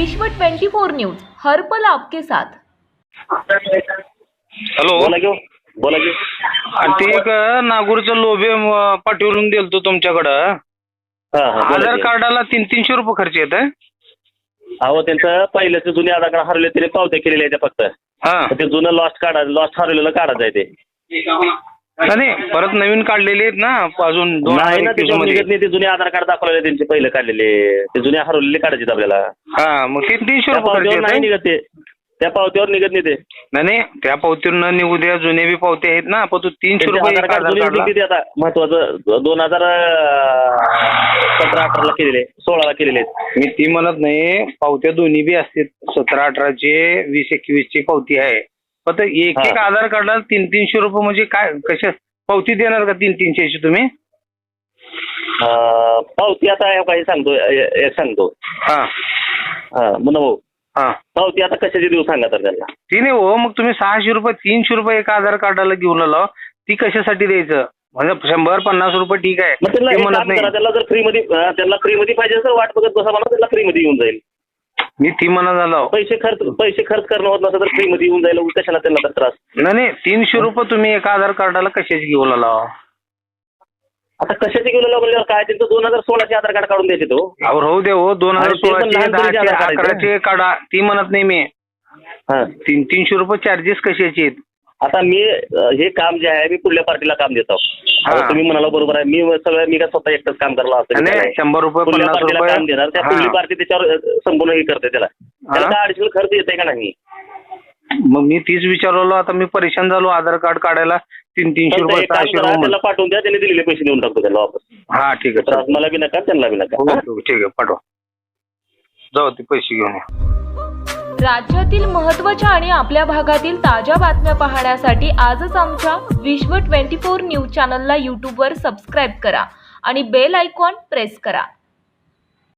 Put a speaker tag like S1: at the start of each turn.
S1: विश्व 24 न्यूज हर पल आपके साथ।
S2: हॅलो
S3: बोला की
S2: ते एक नागूरचं लोभे पाठवून दिलतो तुमच्याकडं। आधार कार्डाला 300 रुपये खर्च येत आहे।
S3: अहो त्यांचं पहिल्याचं जुने आधार कार्ड हरवले त्याने पावत्या केलेल्या आहेत फक्त। ते जुनं लॉस्ट हरवलेलं काढायचं आहे ते।
S2: नाही परत नवीन काढलेले आहेत ना अजून 2021 मध्ये।
S3: ते जुने आधार कार्ड दाखवलेले त्यांचे पहिले काढलेले ते जुने हरवलेले काढायचे आपल्याला।
S2: मग 300 रुपये खर्च
S3: नाही निघत ते, त्या पावत्यावर निघत नाही ते। नाही
S2: त्या पावतीवर न निघू द्या, जुने बी पावते आहेत ना, पण तू 300 रुपये
S3: आता महत्वाचं 2017-18 ला केलेले 16 ला केलेले आहेत।
S2: मी ती म्हणत नाही, पावत्या दोन्ही बी असते 17-18 चे 20-21 ची पावती आहे। पण एक आधार कार्डाला 300 रुपये म्हणजे काय, कशा पावती देणार का 300 ची तुम्ही?
S3: पावती आता काही सांगतो भाऊ पावती आता कशाची देऊ सांगा तर त्यांना।
S2: ती नाही हो, मग तुम्ही 600 रुपये 300 रुपये एका आधार कार्डाला घेऊन आलो, ती कशासाठी द्यायचं? म्हणजे 100-50 रुपये ठीक आहे,
S3: त्याला जर फ्री मध्ये पाहिजे तर वाट बघत बसा, मला त्याला फ्री मध्ये येऊन जाईल।
S2: मी ती म्हणत आलो,
S3: पैसे खर्च करणं होत नसतं तर फ्री मध्ये येऊन जाईल, कशाला त्यांना तर त्रास।
S2: नाही 300 रुपये तुम्ही एका आधार कार्डाला कशाची घेऊन आला?
S3: आता कशाचे घेऊन आलो म्हणजे काय, त्यांचं 2016 चे आधार कार्ड काढून द्यायचे तो।
S2: राहू दे हो, 2016 चे काढा, ती म्हणत नाही मी। 300 रुपये चार्जेस कशाचे आहेत?
S3: आता मी हे काम जे आहे मी पुढल्या पार्टीला काम देतो। तुम्ही म्हणाला बरोबर आहे, मी काय स्वतः एकटंच काम करला असं
S2: 100 रुपये 50 रुपये
S3: काम देणार, त्या पुढली पार्टी त्याच्यावर संपूर्ण हे करते, त्याला काय अडिशनल खर्च येते का नाही?
S2: मग मी तीच विचारलो, आता मी परेशान झालो आधार कार्ड काढायला 300 रुपये 600 रुपये
S3: त्याला पाठवून द्या, त्याने दिलेले पैसे देऊन टाकतो त्याला वापस।
S2: ठीक आहे,
S3: मला बी नका त्यांना बी नका।
S2: ठीक आहे, पाठवा, जाऊ ते पैसे घेऊन।
S1: राज्यातील महत्त्वाच्या आणि आपल्या भागातील ताज्या बातम्या पाहण्यासाठी आजच आमच्या विश्व 24 न्यूज चॅनलला यूट्यूबवर सबस्क्राईब करा आणि बेल आयकॉन प्रेस करा।